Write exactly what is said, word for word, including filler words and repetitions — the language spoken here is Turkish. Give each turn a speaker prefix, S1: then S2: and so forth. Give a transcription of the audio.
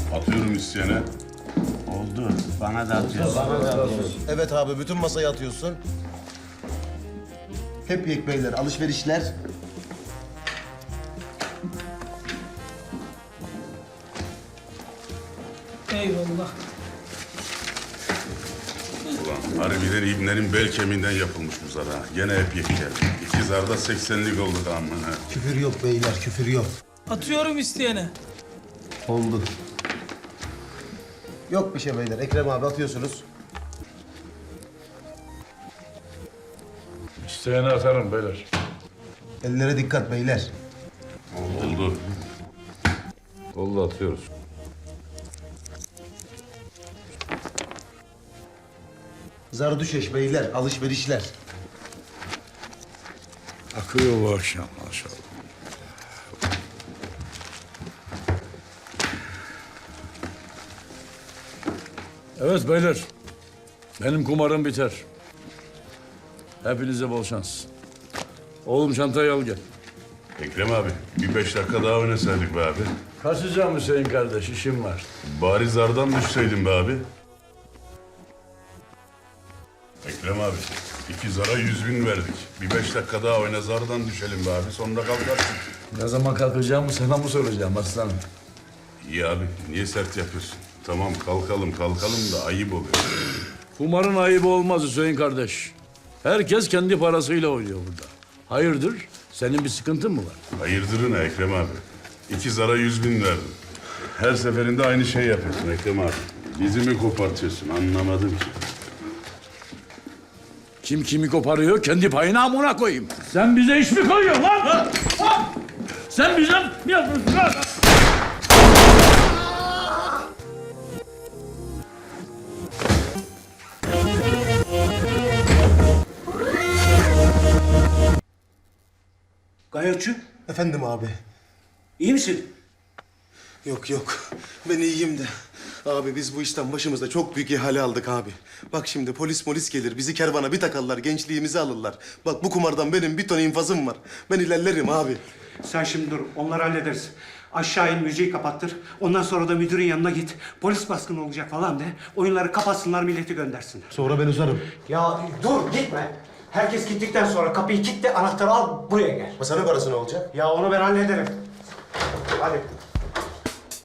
S1: Atıyorum isteyene.
S2: Oldu. Bana da atıyorsun.
S3: Bana da atıyorsun. Evet abi, bütün masayı atıyorsun. Hep yek beyler, alışverişler.
S4: Eyvallah.
S1: Ulan harbiden ibnenin bel kemiğinden yapılmış bu zar ha. Gene hep yek geldi. İki zarda seksenlik olduk amına.
S3: Küfür yok beyler, küfür yok.
S4: Atıyorum isteyene.
S3: Oldu. Yok bir şey beyler, Ekrem abi atıyorsunuz.
S5: İsteyene atarım beyler.
S3: Ellere dikkat beyler.
S1: Oldu.
S5: Oldu atıyoruz.
S3: Zardüşeş beyler, alışverişler.
S5: Akıyor bu akşam maşallah. Evet beyler. Benim kumarım biter. Hepinize bol şans. Oğlum çantayı al gel.
S1: Ekrem abi bir beş dakika daha oynasaydık be abi.
S5: Kaçacağım Hüseyin kardeş, işim var.
S1: Bari zardan düşseydin be abi. Ekrem abi iki zara yüz bin verdik. Bir beş dakika daha oyna zardan düşelim be abi. Sonra kalkarsın.
S5: Ne zaman kalkacağımı sana mı soracağım aslanım?
S1: İyi abi niye sert yapıyorsun? Tamam kalkalım kalkalım da ayıp oluyor.
S5: Kumarın ayıbı olmaz Hüseyin kardeş. Herkes kendi parasıyla oynuyor burada. Hayırdır? Senin bir sıkıntın mı var?
S1: Hayırdırın Ekrem abi. İki zara yüz bin verdim. Her seferinde aynı şey yapıyorsun Ekrem abi. Dizimi kopartıyorsun anlamadım ki.
S5: Kim kimi koparıyor, kendi payına amına koyayım. Sen bize iş mi koyuyorsun lan? Ha? Ha? Sen bize mi yapıyorsun lan?
S6: Gayotçu,
S3: Efendim abi.
S6: iyi misin?
S3: Yok yok, ben iyiyim de. Abi biz bu işten başımızda çok büyük ihale aldık abi. Bak şimdi polis polis gelir, bizi kervana bir takarlar, gençliğimizi alırlar. Bak bu kumardan benim bir ton infazım var. Ben ilerlerim abi.
S6: Sen şimdi dur, onları hallederiz. Aşağı in, müziği kapattır. Ondan sonra da müdürün yanına git. Polis baskını olacak falan de. Oyunları kapatsınlar, milleti göndersinler.
S3: Sonra ben uzarım.
S6: Ya dur, gitme. Herkes gittikten sonra kapıyı kilitle, anahtarı al, buraya gel.
S3: Masanın parası ne olacak?
S6: Ya onu ben hallederim. Hadi.